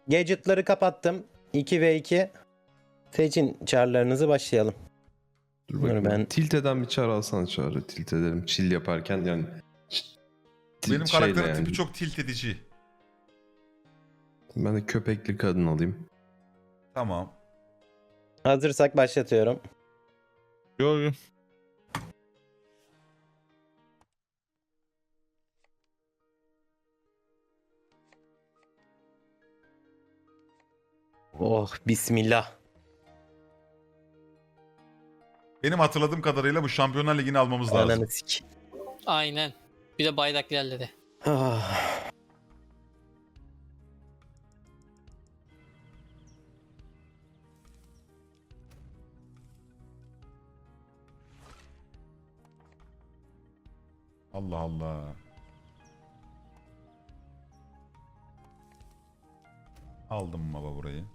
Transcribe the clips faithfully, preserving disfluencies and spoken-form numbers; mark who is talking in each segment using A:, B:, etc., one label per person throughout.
A: Gadget'ları kapattım. iki ve iki. Seçin çarlarınızı, başlayalım.
B: Dur
A: Dur
B: bakayım.
A: ben-
B: Tilt eden bir çağrı alsana çağrı. Tilt edelim. Chill yaparken yani. Tilt
C: Benim
B: şeyle
C: karakterin
B: yani.
C: tipi çok tilt edici.
B: Ben de köpekli kadın alayım.
C: Tamam.
A: Hazırsak başlatıyorum.
D: Yo yo.
A: Oh bismillah.
C: Benim hatırladığım kadarıyla bu Şampiyonlar Ligi'ni almamız lazım.
A: Ananı sik.
E: Aynen. Bir de bayrak ilerledi.
A: Ah.
C: Allah Allah. Aldım baba burayı.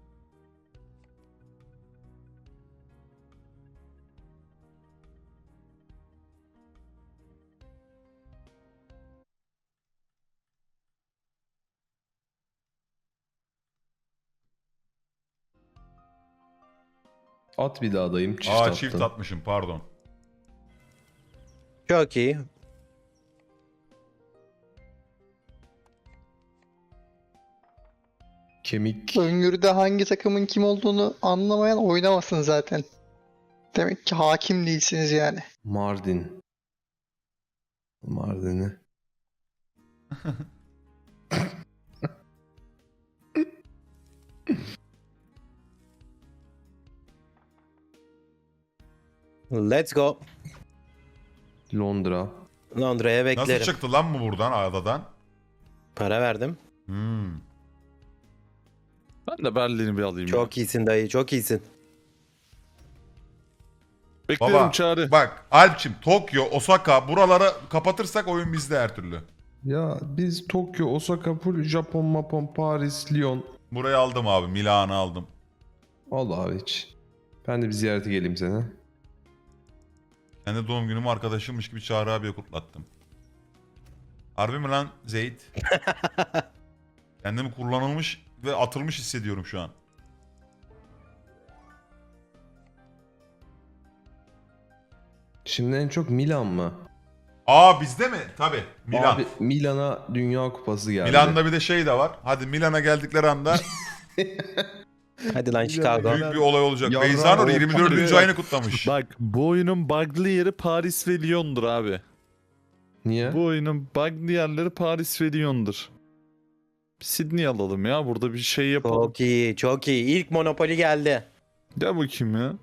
B: At bir daha dayım. Çift
C: Aa
B: attın.
C: çift atmışım pardon.
A: Çok iyi.
B: Kemik.
F: Öngörüde hangi takımın kim olduğunu anlamayan oynamasın zaten. Demek ki hakim değilsiniz yani.
B: Mardin. Mardin'i.
A: Let's go.
B: Londra.
A: Londra'ya
C: Nasıl
A: beklerim.
C: çıktı lan bu buradan adadan?
A: Para verdim.
C: Hmm.
D: Ben de Berlin'i bir alayım. ya.
A: Çok iyisin dayı, çok iyisin.
D: Beklerim
C: Baba
D: çağrı.
C: bak Alpçim Tokyo, Osaka buraları kapatırsak oyun bizde her türlü.
B: Ya biz Tokyo, Osaka, full Japon, Mapon, Paris, Lyon.
C: Burayı aldım abi. Milan'ı aldım.
B: Al abi hiç. Ben de bir ziyarete geleyim sana.
C: Kendi doğum günümü arkadaşımmış gibi Çağrı abiye kutlattım. Harbi mi lan Zeyt? Kendimi kullanılmış ve atılmış hissediyorum şu an.
B: Şimdi en çok Milan mı?
C: Aa bizde mi? Tabi. Milan.
B: Abi Milan'a Dünya Kupası geldi.
C: Milan'da bir de şey de var. Hadi Milan'a geldikleri anda
A: Hadi lan Chicago.
C: büyük bir olay olacak.
B: Ya
C: Beyza Nur
B: bravo.
C: yirmi dördüncü
D: Tabii.
C: ayını kutlamış.
D: Bak bu oyunun bug'lı yeri Paris ve Lyon'dur abi.
B: Niye?
D: Bu oyunun bug'lı yerleri Paris ve Lyon'dur. Sydney alalım ya, burada bir şey yapalım.
A: Çok iyi, çok iyi. İlk Monopoly geldi.
D: Gel bakayım ya.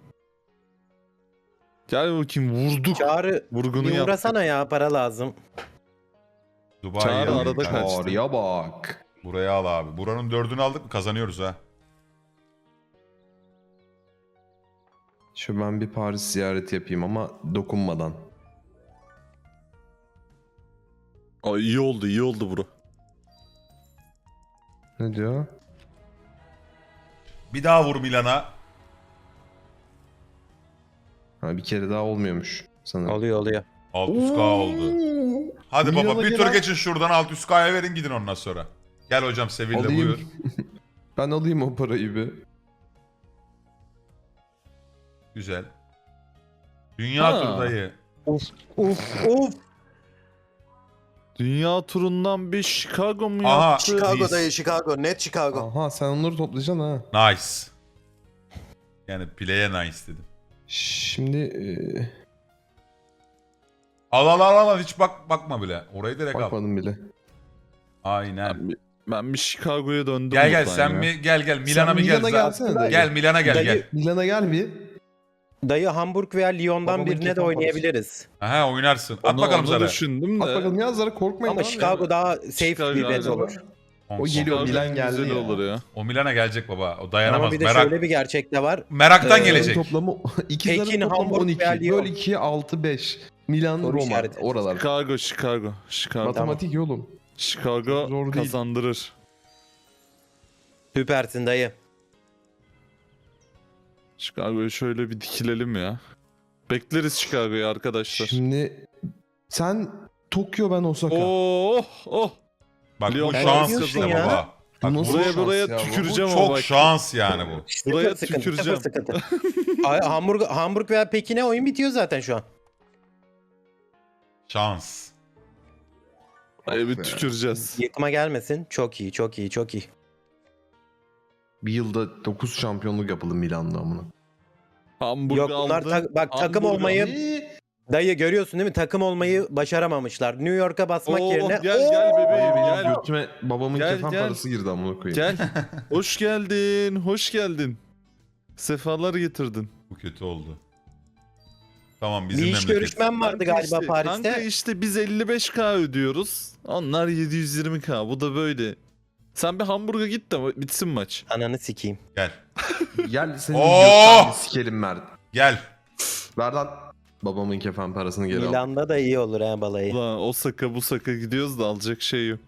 D: Gel bakayım, vurduk.
A: Çağrı
D: Vurgunu
A: bir
D: yaptık.
A: uğrasana ya, para lazım.
C: Dubai
D: Çağrı
C: alayım
D: arada
C: kanka.
D: kaçtı.
B: Çağrıya bak.
C: Buraya al abi. Buranın dördünü aldık mı kazanıyoruz ha.
B: Şu ben bir Paris ziyareti yapayım ama dokunmadan.
D: Aa, iyi oldu, iyi oldu bro.
B: Ne diyor?
C: Bir daha vur Milan'a.
B: Ha, bir kere daha olmuyormuş sanırım.
A: Oluyor oluyor.
C: altı yüz K oldu. Hadi baba
B: Milan'a
C: bir tur
B: gelen-
C: geçin şuradan altı yüz K'ya verin gidin ondan sonra. Gel hocam Sevilla
B: Alayım.
C: buyur.
B: Ben alayım o parayı bir.
C: Güzel. Dünya
D: Ha.
C: turdayı.
A: Uf uf.
D: Dünya turundan bir Chicago mu
C: Aha.
D: yaptı?
A: Chicago
C: Biz-
A: dayı, Chicago. Net Chicago.
B: Aha sen onları toplayacaksın ha.
C: Nice. Yani play'e nice dedim.
B: Şimdi eee,
C: Al al al al hiç bak bakma bile. Orayı direkt al.
B: bakmadım bile.
C: Aynen.
D: Ben bir, ben bir Chicago'ya döndüm.
C: Gel gel
D: buradan
C: sen
D: ya.
C: bir gel gel Milan'a
B: Sen
C: bir gel.
B: Milan'a gelsene dayı.
C: Gel Milan'a gel
A: Dayı-
C: gel.
B: Milan'a gel bir.
A: Dayı Hamburg veya Lyon'dan
B: Babamın
A: birine de
B: kefan
A: oynayabiliriz.
C: Aha oynarsın. At
D: Onu-
C: bakalım
D: onu
C: sana.
D: düşündüm de.
B: At bakalım yazlara korkmayın
A: Ama
B: abi.
A: Chicago daha safe
D: Chicago
A: bir bet
D: aynen.
A: olur.
B: O geliyor,
D: Chicago
B: Milan geldi
D: güzel
B: ya.
D: olur ya.
C: O Milan'a gelecek baba. O dayanamaz.
A: Ama bir de
C: Merak,
A: şöyle bir gerçek de var.
C: meraktan
A: Ee,
C: gelecek.
B: Toplamı ikizlerin
A: Pekin,
B: toplamı
A: Hamburg
B: on iki.
A: veya Lyon.
B: Böl ikiye altı beş. Milan,
A: Soru
B: Roma
A: işareti.
B: oralar.
D: Chicago, Chicago. Chicago.
B: Matematik yolum.
D: Chicago
B: Zor değil.
D: kazandırır.
A: Süpersin dayı.
D: Chicago'yu şöyle bir dikilelim ya. Bekleriz Chicago'yu arkadaşlar.
B: Şimdi sen Tokyo, ben Osaka.
D: Oh oh.
C: Bak
D: Lyon
C: bu
D: ben
C: şans
D: diyorsun
C: işte
A: ya.
C: baba. Bak,
B: Nasıl
D: buraya
B: şans
D: buraya
B: ya bu?
D: tüküreceğim
C: Bu
D: ama
C: çok
D: bak.
C: şans yani bu.
D: Buraya
A: Sıfır sıkıntı,
D: tüküreceğim.
A: sıfır sıkıntı. Ay, Hamburg, Hamburg veya Pekin'e oyun bitiyor zaten şu an.
C: Şans.
D: Buraya bir tüküreceğiz.
A: Yıkma gelmesin. Çok iyi, çok iyi, çok iyi.
B: Bir yılda dokuz şampiyonluk yapıldı Milan'da amına.
D: Hamburg
A: Yok bunlar
D: aldı.
A: ta- bak takım
D: Hamburg
A: olmayı
B: Ne?
A: dayı görüyorsun değil mi? Takım olmayı başaramamışlar. New York'a basmak
D: Oo,
A: yerine
D: gel gel bebeğim
B: Benim
D: gel.
B: götüme babamın
D: Gel,
B: kefen
D: gel.
B: parası girdi amına koyayım.
D: Gel. Hoş geldin. Hoş geldin. Sefalar getirdin.
C: Bu kötü oldu. Tamam
A: bir
C: bizim
A: iş
C: memleket.
A: görüşmem vardı
D: Kanka
A: galiba
D: işte-
A: Paris'te.
D: Kanka işte biz elli beş K ödüyoruz. Onlar yedi yüz yirmi K. Bu da böyle. Sen bir Hamburg'a git de bitsin maç.
A: Ananı sikeyim.
C: Gel.
B: Gel senin
C: Oo!
B: götlerini sikelim Mert.
C: Gel.
B: Ver lan babamın kefen parasını geri al.
A: Milan'da da iyi olur ha balayı.
D: Ulan o saka bu saka gidiyoruz da alacak şey yok.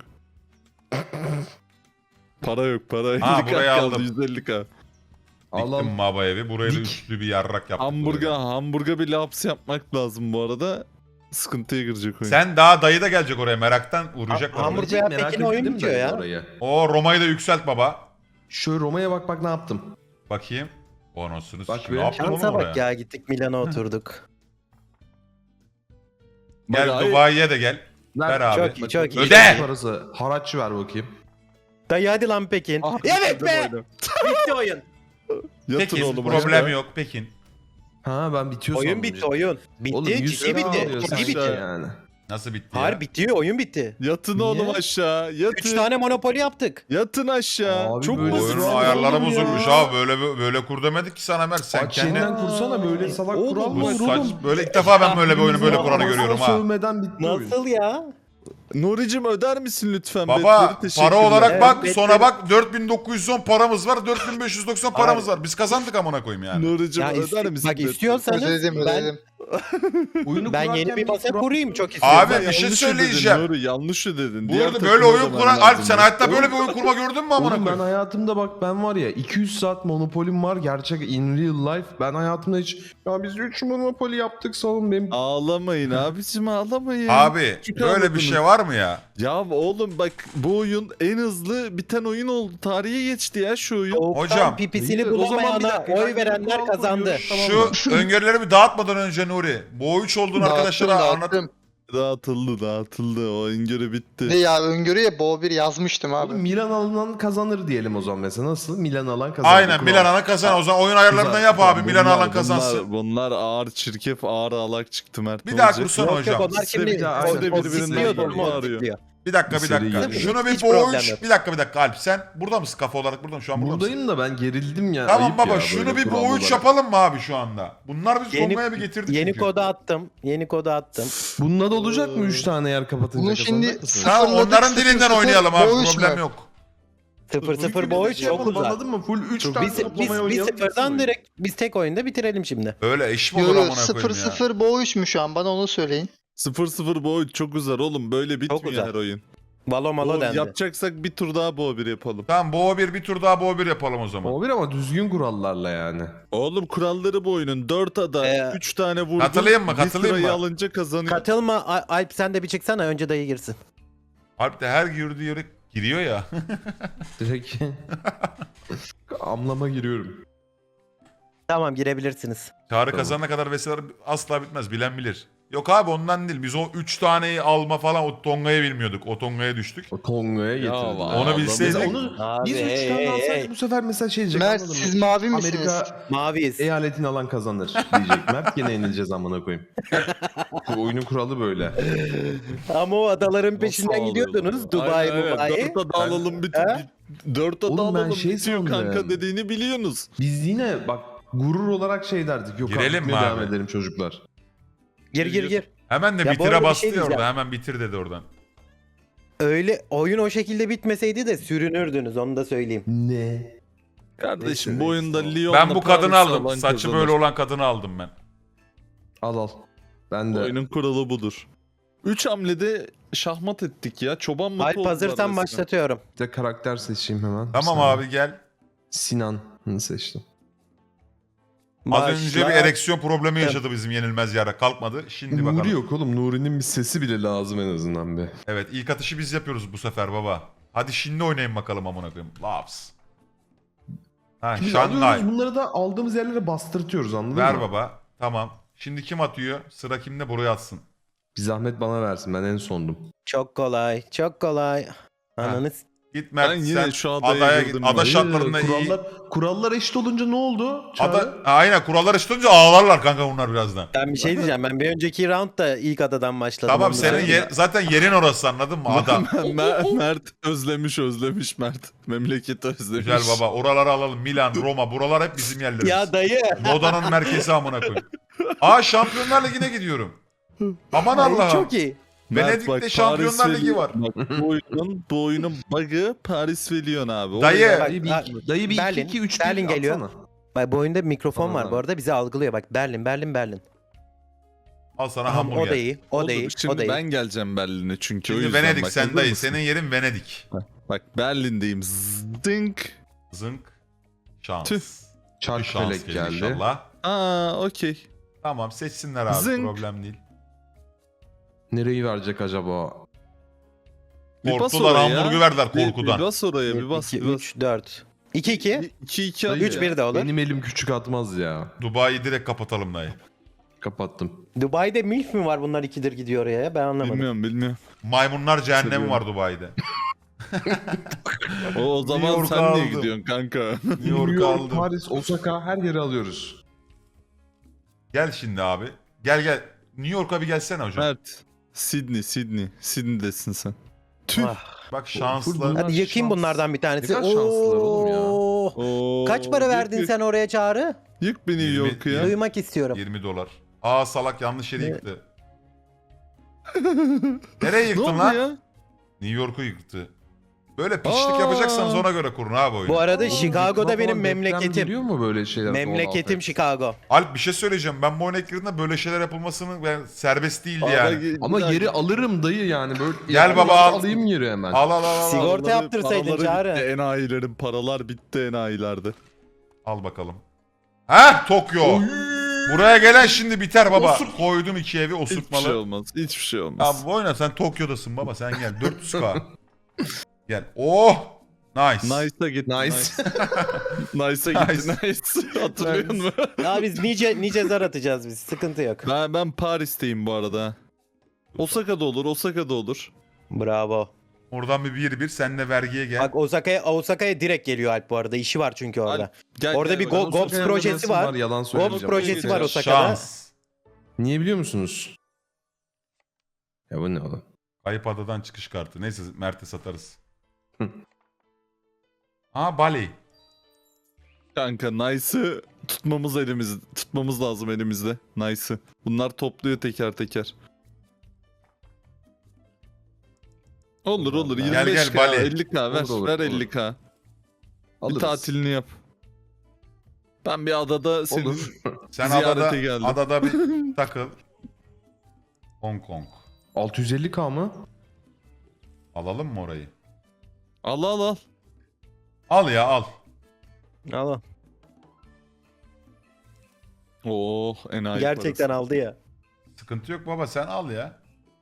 D: Para yok para.
C: Ha,
D: elli K
C: burayı
D: kaldı,
C: aldım.
D: yüz elli K.
C: Diktim
B: Allah'ım.
C: Maba evi. Buraya da
B: Dik.
C: üstlü bir yarrak yaptık. buraya.
D: Hamburg'a Hamburg'a bir laps yapmak lazım bu arada. Sıkıntıya girecek oyun.
C: Sen daha dayı da gelecek oraya meraktan uğrayacaklar.
A: Ha- Hamburg
C: oraya.
A: veya
B: Merak
A: Pekin oyun
B: ettim
A: bitiyor
B: de
A: ya.
B: oraya.
C: O Roma'yı da yükselt baba.
B: Şu Roma'ya bak bak ne yaptım.
C: Bakayım. O nasıl
B: Bak
C: sikeyim.
B: be.
C: Ne yaptın oğlum
A: Şansa
C: oraya?
A: bak ya gittik Milano'a oturduk.
C: Gel
D: Bak, ay-
C: Dubai'ye de gel.
B: Ver,
C: Ver abi.
A: Çok iyi çok iyi.
C: Öde!
B: Parası. Haraç ver bakayım.
A: Dayı hadi lan Pekin.
D: Ah,
A: Evet
D: bitirdim
A: be!
D: oyunu.
A: Bitti oyun.
D: Yatın
C: Pekin
D: oğlum
C: problem
D: aşağı.
C: yok Pekin.
B: Ha ben bitiyor
A: Oyun
B: sandım
A: bitti
B: cidden.
A: oyun. Bitti
B: Oğlum yüz
A: ciddi
B: lira
A: bitti.
B: alıyor
A: Ciddi
B: sanki
A: bitti.
B: yani.
C: Nasıl bitti ya?
A: Hayır bitiyor oyun bitti.
D: Yatın
B: Niye?
D: oğlum aşağı. Yatın.
A: Üç tane monopoli yaptık.
D: Yatın aşağı.
B: Abi
D: Çok
B: böyle
D: basit.
C: Oyunun
B: Sıra
C: ayarları
B: oğlum ya.
C: bozulmuş abi. Böyle böyle kur demedik ki sana Mert. Sen
B: Aç
C: kendin...
B: yeniden kursana böyle salak
A: Oğlum,
B: kural
C: Bu
B: var
C: saç,
B: oğlum.
C: böyle ilk defa ben böyle bir oyunu böyle
B: Bizim
C: kuranı
B: ağzına
C: görüyorum ha.
B: Sövmeden bitti oyun.
A: Nasıl ya?
D: Nuri'cim öder misin lütfen?
C: Baba
D: Betleri? Teşekkürler.
C: para olarak
A: Evet,
C: bak
A: betleri-
C: sonra bak dört bin dokuz yüz on paramız var dört bin beş yüz doksan paramız var. Biz kazandık amına koyayım yani.
D: Nuri'cim
A: Ya
D: öder
A: isti-
D: misin?
A: bak
D: betleri?
A: istiyorsanız
F: Ödedim
A: ben,
F: ödedim.
B: Oyunu
A: ben
B: kurarken
A: yeni bir masa
B: kural-
A: kurayım çok istiyorum.
C: Abi
D: Sen
C: bir şey
D: yanlış
C: söyleyeceğim.
D: Ödedin, Nuri yanlış ödedin.
C: Bu
D: Diğer
C: arada
D: takıma
C: böyle oyun
D: zaman
C: kuran
D: lazım.
C: Alp sen hayatta böyle bir oyun kurma gördün mü amına
B: Oğlum ben
C: koyayım?
B: hayatımda bak ben var ya iki yüz saat Monopoly'm var gerçek in real life. Ben hayatımda hiç ya biz üç Monopoly yaptık salın benim.
D: Ağlamayın abicim ağlamayın.
C: Abi
D: Küçük
C: böyle bir
D: anladınız.
C: şey var mı ya?
D: Ya oğlum bak bu oyun en hızlı biten oyun oldu. Tarihe geçti ya şu oyun.
A: Soğuktan
C: Hocam,
A: pipisini
B: o zaman bir
A: bulamayana
B: dakika,
A: oy
B: ben
A: verenler
B: kural
A: kazandı.
B: koyuyorum, tamam mı?
C: Şu öngörülerimi dağıtmadan önce Nuri. Bu üç olduğunu
F: Dağıttım,
C: arkadaşlara anlat.
F: dağıttım.
D: Dağıtıldı dağıtıldı o öngörü bitti.
F: Ne ya öngörüye Bo bir yazmıştım abi.
B: Oğlum Milan alınan kazanır diyelim o zaman mesela nasıl? Milan alan kazanır.
C: Aynen
B: Kural.
C: Milan alan kazan. O zaman oyun ayarlarından
B: Güzel.
C: yap abi.
D: Bunlar-
C: Milan alan kazansın.
D: Bunlar, bunlar ağır çirkef ağır alak çıktı Mert.
C: Bir
D: ne
C: daha
D: olacak?
C: kursana
A: Yok
C: hocam.
A: yok onlar
B: Size
A: şimdi
B: bir daha-
A: o-
B: aynen,
A: o
D: birbirinden
A: sikliyor,
D: geliyor.
A: o
D: Arıyor.
A: sikliyor.
C: Bir dakika bir
B: Bir seri
C: dakika.
B: geliyor.
C: Şunu bir
A: Hiç
C: bu
A: problem
C: üç.
A: yok.
C: Bir dakika bir dakika Alp sen burada mısın kafa olarak burada mı? Şu an burada mısın?
B: Buradayım da ben gerildim ya.
C: Tamam
B: ayıp
C: baba
B: ya,
C: şunu
B: böyle
C: bir
B: kural
C: bu üç
B: olarak.
C: yapalım mı abi şu anda? Bunlar biz
A: Yeni-
C: Tonga'ya bir getirdik
A: Yeni
C: çünkü.
A: kodu attım. Yeni kodu attım.
B: Bununla da olacak mı üç tane yer kapatınca
F: Bunu şimdi
B: kazanacak mısın?
C: Tamam
F: Sıfırladık,
C: onların
F: sıfır
C: dilinden
F: sıfır,
C: oynayalım abi
F: bu üç
C: problem
F: mü?
C: yok.
A: sıfır sıfır bu oyun çok
B: yapalım,
A: uzak.
B: anladın mı? Full üç
A: Çok-
B: tane
A: Biz, biz,
B: toplamaya
A: biz
B: oynayalım.
A: sıfırdan direkt biz tek oyunda bitirelim şimdi.
C: Öyle iş mi
F: Yo
C: olur
F: yo
C: amına
F: sıfır
C: koyayım ya?
F: sıfır Bo üç mü şu an bana onu söyleyin.
D: sıfır sıfır bu oyun çok uzar oğlum böyle bitmiyor
A: uzar.
D: her oyun.
A: Valo malo
D: Oğlum,
A: dendi.
D: yapacaksak bir tur daha bu bir yapalım.
C: Tamam Bo bir bir tur daha Bo bir yapalım o zaman.
B: O bir ama düzgün kurallarla yani.
D: Oğlum kuralları bu oyunun dört ada
A: Ee,
D: üç tane vurdun.
C: katılayım mı,
D: bir
C: katılayım
D: sırayı
C: mı?
D: alınca kazanıyor.
A: Katılma A- Alp sen de bir çıksana önce dayı girsin.
C: Alp de her girdiği yere giriyor ya.
B: Direkt amlama giriyorum.
A: Tamam girebilirsiniz.
C: Çağrı
B: Tamam.
C: kazanana kadar vesile asla bitmez bilen bilir. Yok abi ondan değil biz o üç taneyi alma falan o Tonga'yı bilmiyorduk. O Tonga'ya düştük.
B: O Tonga'ya getirdim.
D: vay.
C: Onu bilseydik.
B: Mesela onu
A: Abi,
B: biz üç
A: hey,
B: tane
A: hey,
B: alsaydık
A: hey.
B: bu sefer mesela şey diyecek
F: Mert
B: anladın mı?
F: siz mavi misiniz?
B: Amerika
A: Maviyiz.
B: eyaletini alan kazanır diyecek. Mert gene yenileceğiz amına koyayım. Bu oyunun kuralı böyle.
A: Ama o adaların
D: Nasıl
A: peşinden
D: ağlıyorlar?
A: gidiyordunuz. Dubai,
D: Aynen,
A: Dubai.
D: Dört ada alalım bir
A: He?
D: Dört ada
B: Oğlum ben
D: alalım
B: şey
D: bitiyor
B: sandım.
D: kanka dediğini biliyorsunuz.
B: Biz yine bak gurur olarak şey derdik. Yok
C: Girelim
B: abi,
C: mi
B: devam
C: abi?
B: edelim çocuklar.
A: Gir gir gir.
C: Hemen de
A: Ya bu
C: bitire
A: arada bir
C: bastı
A: şey
C: ya orada.
A: diyeceğim.
C: Hemen bitir dedi oradan.
A: Öyle oyun o şekilde bitmeseydi de sürünürdünüz onu da söyleyeyim.
B: Ne?
D: Kardeşim
B: Neyse,
D: bu oyunda
B: neyse.
D: Lyon'la
C: Ben bu kadını
D: Paris'i
C: aldım.
D: alan
C: Saçı
D: kazanır.
C: böyle olan kadını aldım ben.
B: Al al. Ben
D: Bu
B: de.
D: oyunun kuralı budur. Üç hamlede şahmat ettik ya. Çoban matı
A: Alp
D: oldular
A: hazırsan
D: resmen.
A: başlatıyorum.
B: Bir de karakter seçeyim hemen.
C: Tamam
B: Bir saniye.
C: abi gel.
B: Sinan'ı seçtim.
C: Az önce bir
A: Başla.
C: ereksiyon problemi yaşadı bizim yenilmez yara. Kalkmadı. Şimdi
B: Nuri
C: bakalım.
B: yok oğlum. Nuri'nin bir sesi bile lazım en azından be.
C: Evet ilk atışı biz yapıyoruz bu sefer baba. Hadi şimdi oynayın bakalım amına koyayım. Laps. Ha
B: Biz
C: Şanghay.
B: alıyoruz bunları da aldığımız yerlere bastırtıyoruz anladın
C: Ver
B: mı?
C: baba. Tamam. Şimdi kim atıyor? Sıra kimde? Buraya atsın.
B: Bir zahmet bana versin ben en sondum.
A: Çok kolay. Çok kolay. Ananı s-
C: Git Mert
D: Ben yine
C: sen
D: şu adaya
C: adaya git.
D: girdim
C: Ada
D: ya.
C: şartlarında iyi.
B: kurallar, kurallar eşit olunca ne oldu? Çağrı?
C: Ada, aynen kurallar eşitince ağlarlar kanka bunlar birazdan.
A: Ben bir şey diyeceğim. Ben bir önceki roundda ilk adadan başladım.
C: Tamam
A: Onu
C: senin
A: söyleyeyim.
C: yer, zaten yerin orası anladın mı? Ada.
D: Mer- Mert özlemiş özlemiş Mert. Memleketi özlemiş.
C: Güzel baba. Oraları alalım. Milan, Roma. Buralar hep bizim yerlerimiz.
A: Ya dayı.
C: Moda'nın merkezi amına koyayım. Aa Şampiyonlar Ligi'ne gidiyorum. Aman Allah'ım.
A: Çok iyi.
D: Mert
C: Venedik'te
D: bak,
C: Şampiyonlar
D: Paris
C: Ligi
D: Veli-
C: var.
D: Bak bu oyunun, bu oyunun bug'ı Paris Velion abi.
C: Dayı.
D: Oraya-
B: Dayı bir,
A: Bak,
B: dayı bir
A: Berlin,
B: iki iki üç
A: Berlin
B: bir
A: geliyor.
B: atsana.
A: Bak bu oyunda bir mikrofon
B: Tamam,
A: var bu
B: tamam.
A: arada bizi algılıyor. Bak Berlin, Berlin, Berlin.
C: Al sana
A: Aha, o da
C: hamburger.
A: iyi. O
D: Olur,
A: da iyi.
D: Şimdi
A: O da iyi.
D: ben geleceğim Berlin'e çünkü o
C: Şimdi
D: yüzden.
C: Venedik
D: bak,
C: sen
D: hazır
C: dayı.
D: mısın?
C: Senin yerin Venedik.
D: Bak Berlin'deyim. Zdink.
C: Zınk. Şans.
D: Tüh.
C: Bir
B: Çark
C: şans
B: felek
C: gelir
B: geldi.
C: inşallah.
D: Aa okey.
C: Tamam seçsinler abi
D: Zınk.
C: problem değil.
B: Nereyi verecek acaba?
D: Bir bas
C: Korktular
D: oraya.
C: hamburgu verdiler
D: Bir,
C: korkudan.
D: bir bas oraya bir bas.
A: iki,
D: bir bas.
A: üç, dört. iki iki.
D: iki iki
B: Dayı,
A: üç bir de olur.
B: Benim elim küçük atmaz ya.
C: Dubai'yi direkt kapatalım dayı.
B: Kapattım.
A: Dubai'de milf mi var bunlar ikidir gidiyor oraya ya? Ben anlamadım.
D: Bilmiyorum bilmiyorum.
C: Maymunlar cehennemi
D: Seviyorum.
C: var Dubai'de.
D: O, o zaman
C: York'u
D: sen niye
C: aldım.
D: gidiyorsun kanka?
C: New York'u aldım.
B: Paris, Osaka her yeri alıyoruz.
C: Gel şimdi abi. Gel gel. New York'a bir gelsene hocam.
D: Mert. Sydney, Sydney. Sydney'desin sen. Tüh.
A: Ah.
C: Bak şanslı.
B: Bunlar
A: Hadi yakayım
B: şans.
A: bunlardan bir tanesi.
B: Ne kadar şanslılar oğlum ya.
A: Oo.
D: Oo,
A: Kaç para
D: yık,
A: verdin
D: yık.
A: sen oraya Çağrı?
D: Yık beni
C: Yirmi-
D: York'u ya.
C: yirmi-
A: Duymak istiyorum.
C: yirmi dolar. Aa salak yanlış yeri
A: Ne?
C: yıktı. Nereye
D: Ne
C: yıktın
D: oldu
C: lan?
D: ya?
C: New York'u yıktı. Böyle piçlik
D: Aa.
C: yapacaksanız ona göre kurun abi oyunu.
A: Bu arada
B: Oğlum,
A: Chicago'da
B: yıkma
A: benim
B: falan, deprem
A: memleketim.
B: geliyor mu böyle şeyler?
A: Memleketim Chicago.
C: Alp bir şey söyleyeceğim. Ben bu oyuna girdiğimde böyle şeyler yapılmasının ben serbest değildi
D: Ara
C: yani.
D: ge-
B: Ama
D: bir dakika.
B: yeri alırım dayı yani böyle.
C: Gel
B: Ya,
C: baba, al.
B: Alayım yeri hemen.
C: Al al al al. al.
A: Sigorta
D: Paraları-
A: yaptırsaydın
D: paraları
A: Çağrı.
D: bitti, enayilerin paralar bitti enayilerde.
C: Al bakalım. Ha Tokyo. Buraya gelen şimdi biter baba. Koydum iki evi
D: Hiçbir şey
C: osurtmalı.
D: olmaz. Hiçbir şey olmaz.
C: Abi oyna sen Tokyo'dasın baba sen gel. dört yüz K. Gel. Oh. Nice.
D: Nice'a git.
B: Nice.
D: Nice'a gitti. Nice. Hatırlıyor musun?
A: Ya biz nice nice zar atacağız biz. Sıkıntı yok.
D: Ben, ben Paris'teyim bu arada. Osaka'da olur, Osaka'da olur.
A: Bravo.
C: Oradan bir bir bir sen de vergiye gel.
A: Bak Osaka'ya Osaka'ya direkt geliyor Alp bu arada. İşi var çünkü orada.
D: Gel,
A: Orada
D: gel
A: bir
D: bakalım.
A: go- Gobs
B: Osaka'ya
A: projesi
B: adresim
A: var.
B: Yalan
A: Gobs
B: söyleyeceğim.
A: projesi var
D: Şans.
A: Osaka'da.
C: Şans.
B: Niye biliyor musunuz? Ya bu ne oğlum?
C: Kayıp adadan çıkış kartı. Neyse Mert'e satarız.
B: Hı.
C: Ha Bali.
D: Kanka Nice'ı tutmamız elimizde. Tutmamız lazım elimizde. Nice'ı. Bunlar topluyor teker teker. Olur olur.
B: Gel,
C: gel,
D: yirmi beş K,
C: Bali.
D: elli K ver.
B: Olur, olur,
D: ver
B: olur.
D: elli K. Bir
B: Alırız.
D: tatilini yap. Ben bir adada senin
B: Olur.
C: Sen
D: Ziyarete
C: adada,
D: geldim.
C: adada bir takıl. Hong Kong.
B: altı yüz elli K mı?
C: Alalım mı orayı?
D: al al al.
C: Al ya al.
A: Al.
D: Oh enayi
A: Gerçekten
D: parası.
A: aldı ya.
C: Sıkıntı yok baba sen al ya.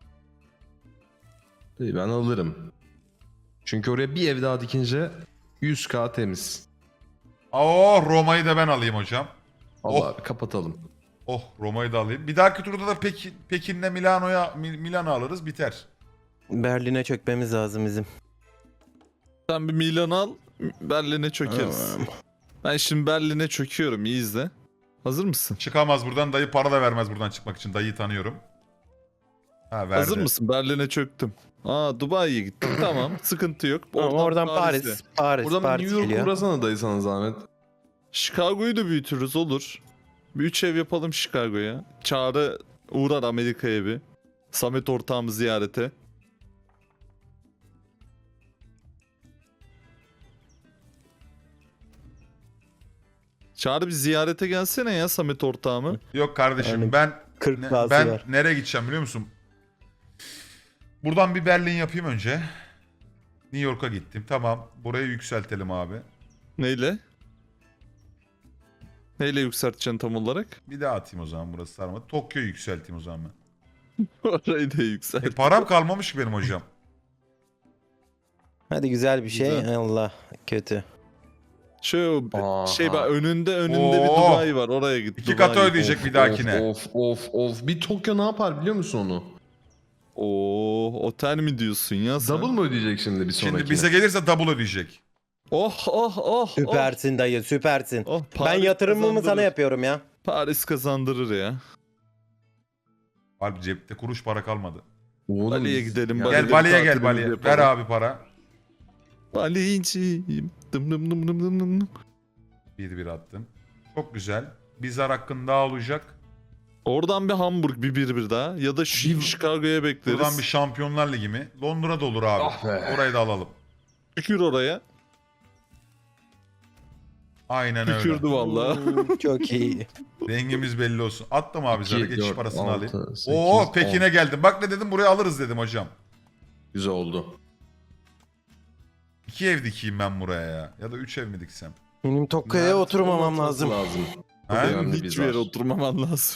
B: Dayı ben alırım. Çünkü oraya bir ev daha dikince yüz K temiz.
C: Oh Roma'yı da ben alayım hocam.
B: Allah
C: Oh.
B: abi kapatalım.
C: Oh Roma'yı da alayım. Bir dahaki turda da Pekin, Pekin'le Milano'ya Mil- Milano alırız biter.
A: Berlin'e çökmemiz lazım bizim.
D: Sen bir Milan al. Berlin'e çökeriz. Ben şimdi Berlin'e çöküyorum. İyi izle. Hazır mısın?
C: Çıkamaz buradan dayı para da vermez buradan çıkmak için. Dayıyı tanıyorum. Ha verdi.
D: Hazır mısın? Berlin'e çöktüm. Aa Dubai'ye gittim. Tamam. Sıkıntı yok.
A: Oradan, oradan
D: Paris'e.
A: Paris, Paris,
B: Buradan
A: Paris
B: New York
A: geliyor.
B: uğrasana dayı sana zahmet.
D: Chicago'yu da büyütürüz olur. Bir üç ev yapalım Chicago'ya. Çağrı uğrar Amerika'ya bir. Samet ortağımı ziyarete. Çağrı bir ziyarete gelsene ya Samet ortağımı.
C: Yok kardeşim
A: Yani
C: ben
A: kırk
C: ne-
A: K'sı
C: ben
A: var.
C: nereye gideceğim biliyor musun? Buradan bir Berlin yapayım önce. New York'a gittim. Tamam. Burayı yükseltelim abi.
D: Neyle? Neyle yükselteceksin tam olarak?
C: Bir daha atayım o zaman burası sarmadı. Tokyo'yu yükselteyim o zaman ben.
D: Orayı da yükselt.
C: E, param kalmamış ki benim hocam.
A: Hadi güzel bir şey.
D: Güzel.
A: Allah kötü.
D: Şu
B: Aha.
D: şey bak önünde önünde bir
C: Oo.
D: Dubai var. Oraya git.
C: İki
D: Dubai.
C: katı ödeyecek bir dahakine.
B: Of of of. Bir Tokyo ne yapar biliyor musun onu?
D: Oo, otel mi diyorsun ya sen?
B: Double mı ödeyecek şimdi bir sonrakine?
C: Şimdi bize gelirse double ödeyecek.
D: Oh oh oh.
A: Süpersin dayı süpersin.
D: Oh, oh,
A: Ben
D: Paris
A: yatırımımı sana
D: kazandırır.
A: yapıyorum ya.
D: Paris kazandırır ya.
C: Abi cepte kuruş para kalmadı.
B: Oğlum,
D: Bali'ye
B: biz-
D: gidelim,
B: Ya-
D: Bali'ye.
C: Gel Bali'ye gel
D: tatilimizi
C: Bali'ye.
D: yapalım.
C: Ver abi para.
D: Baliciyim. Dım dım dım dım dım dım.
C: Bir bir attım. Çok güzel. Bir zar hakkın daha olacak.
D: Oradan bir Hamburg bir bir bir daha. Ya da Ş-
B: Bir-
D: Chicago'ya bekleriz.
C: Buradan bir Şampiyonlar Ligi mi? Londra da olur abi.
B: Ah be.
C: Orayı da alalım.
D: Tükür oraya.
C: Aynen öyle.
D: Tükürdü valla.
A: Çok iyi.
C: Rengimiz belli olsun. Attım abi zarı.
B: İki,
C: Geçiş
B: dört,
C: parasını
B: altı,
C: alayım.
B: sekiz,
C: Oo
B: on.
C: Pekin'e geldim. Bak ne dedim, buraya alırız dedim hocam.
B: Güzel oldu.
C: İki ev dikeyim ben buraya ya. Ya da üç ev mi diksem?
A: Benim Tokyo'ya
B: Mert
A: oturmamam
B: olması
A: lazım.
B: lazım.
C: He?
B: Çok önemli bir
D: Hiçbir yere
B: zar.
D: oturmaman lazım.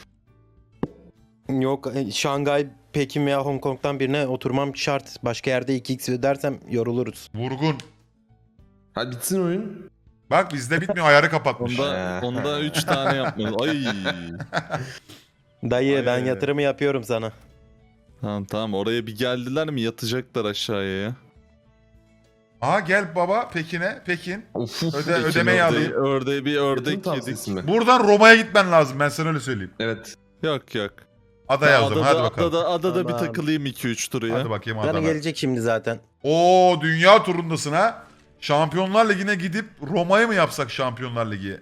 A: Yok e, Şangay, Pekin veya Hong Kong'dan birine oturmam şart. Başka yerde iki x ödersem yoruluruz.
C: Vurgun.
B: Hadi bitsin oyun.
C: Bak bizde bitmiyor, ayarı kapatmış.
D: Onda, onda üç tane yapmalı. Ay.
A: Dayı
C: Ay,
A: ben
C: ay, ay.
A: yatırımı yapıyorum sana.
D: Tamam tamam oraya bir geldiler mi yatacaklar aşağıya ya.
C: Aha gel baba Pekin'e. Pekin.
B: Of,
C: Öde-
B: Pekin
C: ödemeyi
B: ördeği.
C: alayım.
D: Ördeği bir
B: Yatırım
D: ördek yedik.
B: tavsiyesi mi?
C: Buradan Roma'ya gitmen lazım, ben sana öyle söyleyeyim.
B: Evet.
D: Yok yok.
C: Adaya o zaman, hadi
D: Adada,
C: bakalım.
D: adada, adada bir
A: Tamam.
D: takılayım iki üç turu ya.
C: Hadi bakayım
A: Bana
C: Adana.
A: gelecek şimdi zaten.
C: Oo dünya turundasın ha. Şampiyonlar Ligi'ne gidip Roma'ya mı yapsak Şampiyonlar Ligi?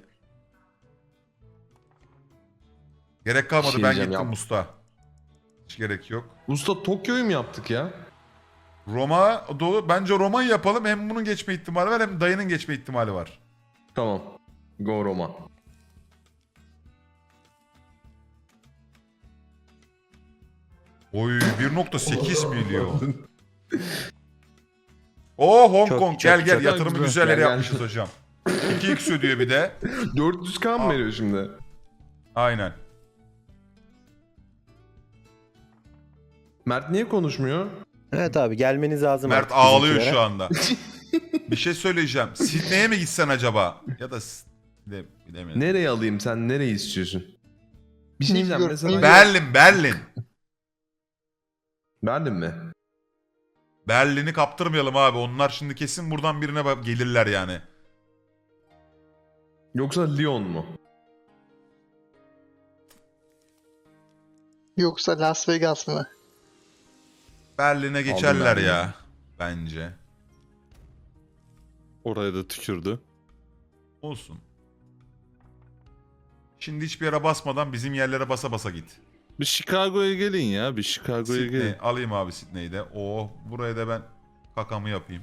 C: Gerek kalmadı,
B: Şey
C: ben
B: diyeceğim
C: gittim
B: ya.
C: Musta. Hiç gerek yok.
B: Usta Tokyo'yu mu yaptık ya?
C: Roma dolu. Bence Roma'yı yapalım. Hem bunun geçme ihtimali var hem dayının geçme ihtimali var.
B: Tamam. Go Roma.
C: Oy bir nokta sekiz milyon. Oo Hong
A: Çok,
C: Kong
A: çok,
C: gel gel
A: çok
C: yatırım
B: güzel.
C: güzel yere
B: Gel, gel.
C: yapmışız hocam. iki x ödüyor bir de.
B: dört yüz k mı veriyor şimdi?
C: Aynen.
B: Mert niye konuşmuyor?
A: Evet abi gelmeniz lazım.
C: Mert
A: artık
C: ağlıyor
A: bizimkilere.
C: şu anda. Bir şey söyleyeceğim. Sydney'e mi gitsen acaba? Ya da S- bile, bilemiyorum.
B: Nereye alayım, sen nereyi istiyorsun? Bir şey
F: New
B: diyeceğim
F: York,
B: mesela.
F: New York.
C: Berlin, Berlin.
B: Berlin mi?
C: Berlin'i kaptırmayalım abi. Onlar şimdi kesin buradan birine bak- gelirler yani.
B: Yoksa Lyon mu?
F: Yoksa Las Vegas mı?
C: Berlin'e geçerler
B: Berlin'i.
C: ya. Bence.
D: Oraya da tükürdü.
C: Olsun. Şimdi hiçbir yere basmadan bizim yerlere basa basa git.
D: Bir Chicago'ya gelin ya. Bir Chicago'ya
C: Sydney.
D: gelin.
C: Alayım abi Sydney'i de. Oo, buraya da ben kakamı yapayım.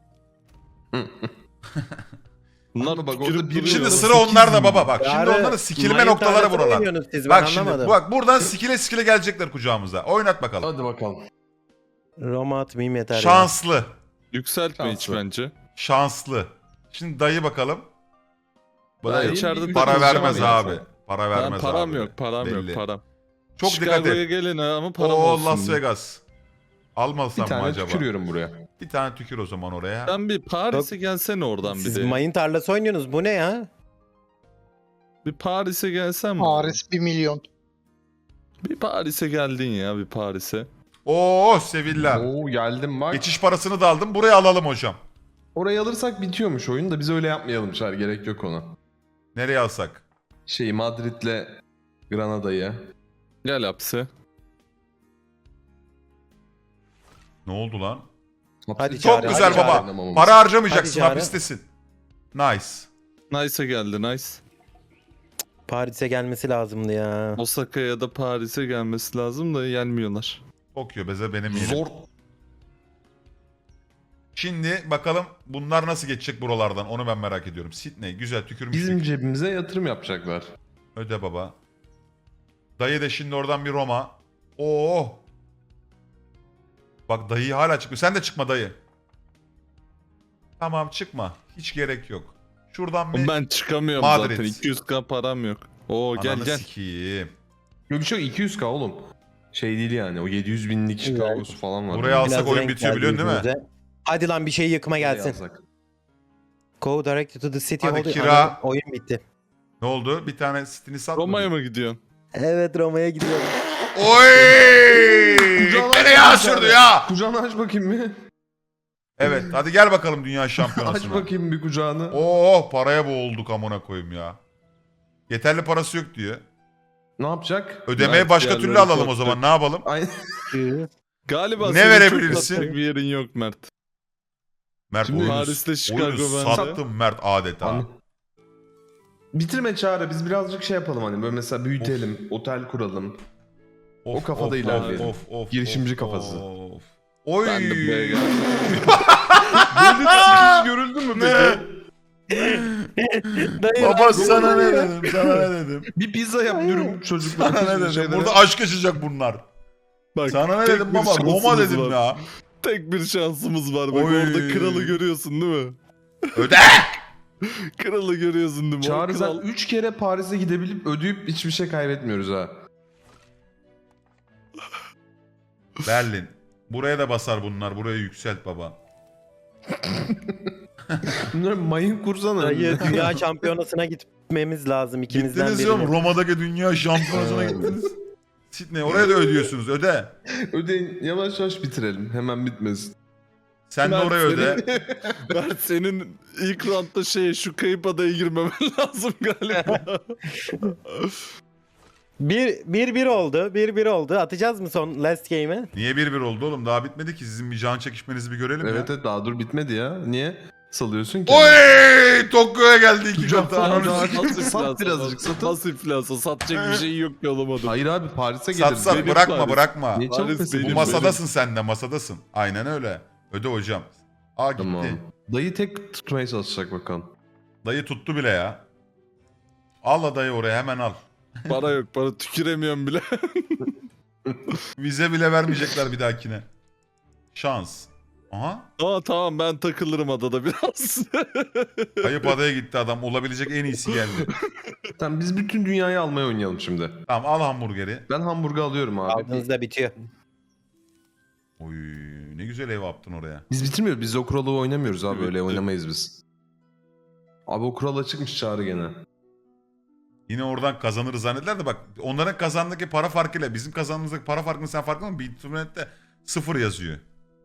D: Bunlar
B: Ama bak
D: tükürüp
B: orada bir-
D: duruyor.
C: Şimdi
B: Orada
C: sıra
B: sekiz
C: onlarda
B: milyon.
C: baba bak. Şimdi
A: Yarı
C: onların sikilme
A: mayın
C: noktaları
A: tarlası
C: buralar.
A: oynuyorsunuz siz, ben
C: Bak şimdi
A: anlamadım.
C: bak buradan sikile sikile gelecekler kucağımıza. Oynat bakalım.
B: Hadi bakalım.
A: Roma atmayayım yeter ya.
C: Şanslı.
D: Yükseltme hiç
B: Şanslı.
D: bence.
C: Şanslı. Şimdi dayı bakalım.
D: Bana
B: Dayı
D: içeride
B: bir-
C: Para
D: takılacağım
C: vermez
D: ya.
C: abi. Para
D: Ben
C: vermez
D: param
C: abi.
D: yok, param
C: Belli.
D: yok, param.
C: Çok dikkat
D: Chicago'ya
C: et.
D: gelin ha ama param
C: Oo
D: olsun.
C: Las Vegas.
B: Bir
C: Almasam mı
B: tane
C: acaba?
B: tükürüyorum buraya.
C: Bir tane tükür o zaman oraya.
D: Sen bir Paris'e gelsene oradan
A: Siz
D: bir de.
A: mayın tarlası oynuyorsunuz. Bu ne ya?
D: Bir Paris'e gelsen mi?
F: Paris bir milyon.
D: Bir Paris'e geldin ya bir Paris'e.
C: Oo Sevilla.
B: Oo geldim bak.
C: Geçiş parasını da aldım. Buraya alalım hocam.
B: Orayı alırsak bitiyormuş oyun da biz öyle yapmayalım Çar. Gerek yok ona.
C: Nereye alsak?
B: Şey Madrid'le Granada'yı.
D: Gel hapse.
C: Ne oldu lan?
A: Hadi
C: Çok
A: Çağrı,
C: güzel
A: hadi
C: baba.
B: Çağrı.
C: Para harcamayacaksın,
A: Hadi Çağrı.
C: hapistesin. Nice.
D: Nice'a geldi nice.
A: Paris'e gelmesi lazımdı ya.
D: Osaka'ya ya da Paris'e gelmesi lazım da gelmiyorlar.
C: Tokyo beze benim yerim.
B: Zor.
C: Şimdi bakalım bunlar nasıl geçecek buralardan, onu ben merak ediyorum. Sydney güzel tükürmüştük.
B: Bizim cebimize yatırım yapacaklar.
C: Öde baba. Dayı da şimdi oradan bir Roma. Oo. Bak dayı hala çıkmıyor. Sen de çıkma dayı. Tamam çıkma. Hiç gerek yok. Şuradan bir
D: Ben çıkamıyorum
C: Madrid.
D: zaten. iki yüz k param yok. Oo gel
C: Ananı
D: gel.
C: sikeyim.
B: Yok bir şey yok, iki yüz k oğlum. Şey değil yani o yedi yüz binlik Chicago'su falan var.
C: Buraya alsak
A: Biraz
C: oyun
A: renk
C: bitiyor
A: geldi
C: biliyorsun değil mi?
A: yüzünüze. Hadi lan bir şey yıkıma gelsin.
B: Yazsak.
A: Go direct to the city.
C: Hadi
A: Hadi
C: kira.
A: Ana, oyun bitti.
C: Ne oldu? Bir tane sitini satmadın.
D: Roma'ya mı gidiyorsun?
A: Evet Roma'ya gidiyorum.
C: Oy!
B: Kucağına
C: Nereye
B: aç
C: sürdü
B: bakayım.
C: ya?
B: Kucağını aç bakayım bir.
C: Evet hadi gel bakalım dünya
B: Aç
C: şampiyonasına.
B: bakayım bir kucağını.
C: Oo paraya boğulduk amına koyayım ya. Yeterli parası yok diyor.
B: Ne yapacak?
C: Ödemeyi
D: Mert
C: başka
D: yerleri
C: türlü alalım o
D: korktu.
C: zaman ne yapalım?
B: Ay,
D: Galiba
C: Ne
D: senin
C: verebilirsin?
D: çok satacak bir yerin yok Mert.
C: Mert
B: Şimdi
C: oyunu,
D: Paris'te Chicago
C: oyunu
D: bence.
C: sattım Mert adeta.
B: Hani- bitirme Çağrı, biz birazcık şey yapalım hani böyle mesela büyütelim, otel kuralım.
C: Of,
B: o kafada
C: of,
B: ilerleyelim.
C: Of, of,
B: Girişimci
C: of,
B: kafası.
C: of. Oy.
D: Ben de buraya geldim.
B: Böyle hiç görüldü mü peki?
C: Baba sana ne dedim? Sana ne dedim?
B: Bir pizza yap dürüm çocuklar.
C: Sana ne dedim?
B: şeylere.
C: Burada aşk yaşayacak bunlar.
D: Bak,
C: Sana ne
D: tek
C: dedim
D: bir
C: baba? Roma
D: şansımız
C: dedim
D: var.
C: ya.
D: Tek bir şansımız var. Bak
C: Oy.
D: orada kralı görüyorsun değil mi?
C: Öde.
D: Kralı görüyorsun değil mi? O
B: Çağrı
D: kral-
B: zaten üç kere Paris'e gidebilip ödeyip hiçbir şey kaybetmiyoruz ha.
C: Berlin. Buraya da basar bunlar. Buraya yükselt baba.
B: Bunlar mayın kursana.
A: Dayı dünya şampiyonasına gitmemiz lazım ikimizden
C: Gittiniz ya
A: birinin.
C: Roma'daki dünya şampiyonasına gittiniz. Sydney oraya da ödüyorsunuz. Öde.
B: Ödeyin, yavaş yavaş bitirelim. Hemen bitmesin.
C: Sen de
D: Mert
C: oraya
D: senin-
C: öde.
D: Mert senin ilk roundda şey şu kayıp adaya girmemen lazım galiba.
A: Bir, bir bir oldu. Bir bir oldu. Atacağız mı son last game'i?
C: Niye bir bir oldu oğlum? Daha bitmedi ki. Sizin bir can çekişmenizi bir görelim
B: Evet
C: ya.
B: evet, daha dur bitmedi ya. Niye salıyorsun ki?
C: Oy! Tokyo'ya geldi iki
B: Kucak
C: katı.
B: falan
C: Ananı
B: daha-
C: sikeyim.
B: Sat birazcık, satın.
D: Nasıl iflasa? Satacak bir şey yok ki olamadım.
B: Hayır abi, Paris'e
C: Sat
B: geliriz.
C: sat
D: Benim
C: bırakma
D: Paris.
C: bırakma.
B: Niye
D: Paris
B: çabuk pes
D: benim,
C: Bu
B: ediyorsun?
C: masadasın sen de masadasın. Aynen öyle. Öde hocam. Aa gitti.
B: Tamam. Dayı tek tutmaya çalışacak bakalım.
C: Dayı tuttu bile ya. Al la dayı oraya hemen al.
D: Para yok, para tüküremiyorum bile.
C: Vize bile vermeyecekler bir dahakine. Şans. Aha.
D: Aa tamam, ben takılırım adada biraz.
C: Kayıp adaya gitti adam. Olabilecek en iyisi geldi.
B: Tamam, biz bütün dünyayı almaya oynayalım şimdi.
C: Tamam al hamburgeri.
B: Ben hamburger alıyorum abi.
A: Aldığınızda bitiyor.
C: Oy ne güzel ev yaptın oraya.
B: Biz bitirmiyoruz. Biz o kuralı oynamıyoruz abi.
D: Evet,
B: Öyle
D: evet.
B: oynamayız biz. Abi o kural açıkmış Çağrı gene.
C: Yine oradan kazanırız zannediler de bak onların kazandaki para farkıyla bizim kazandığımızdaki para farkını sen farkında mı? Bitcoin'de sıfır yazıyor.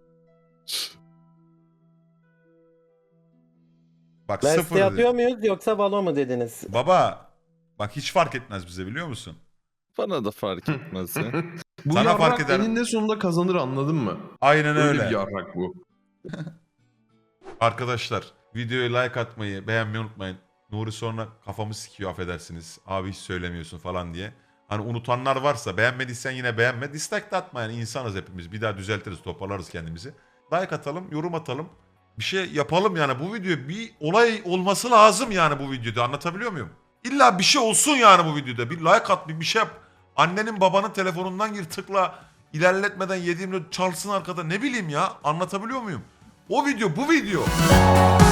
C: Bak sıfır.
A: Last'e atıyor muyuz yoksa Valo mu dediniz?
C: Baba bak hiç fark etmez bize biliyor musun?
D: Bana da fark etmez ya.
B: Bu
C: Sana
B: yarrak
C: fark eder.
B: eninde sonunda kazanır, anladın mı?
C: Aynen
B: Öyle,
C: öyle.
B: bir yarrak bu.
C: Arkadaşlar videoya like atmayı, beğenmeyi unutmayın. Nuri sonra kafamı sikiyor affedersiniz. Abi hiç söylemiyorsun falan diye. Hani unutanlar varsa beğenmediysen yine beğenme. Dislike de atma yani insanız hepimiz. Bir daha düzeltiriz, toparlarız kendimizi. Like atalım, yorum atalım. Bir şey yapalım yani bu video bir olay olması lazım yani bu videoda, anlatabiliyor muyum? İlla bir şey olsun yani bu videoda. Bir like at, bir bir şey yap. Annenin babanın telefonundan gir tıkla. İlerletmeden yediğimde çalsın arkada, ne bileyim ya, anlatabiliyor muyum? O video bu video.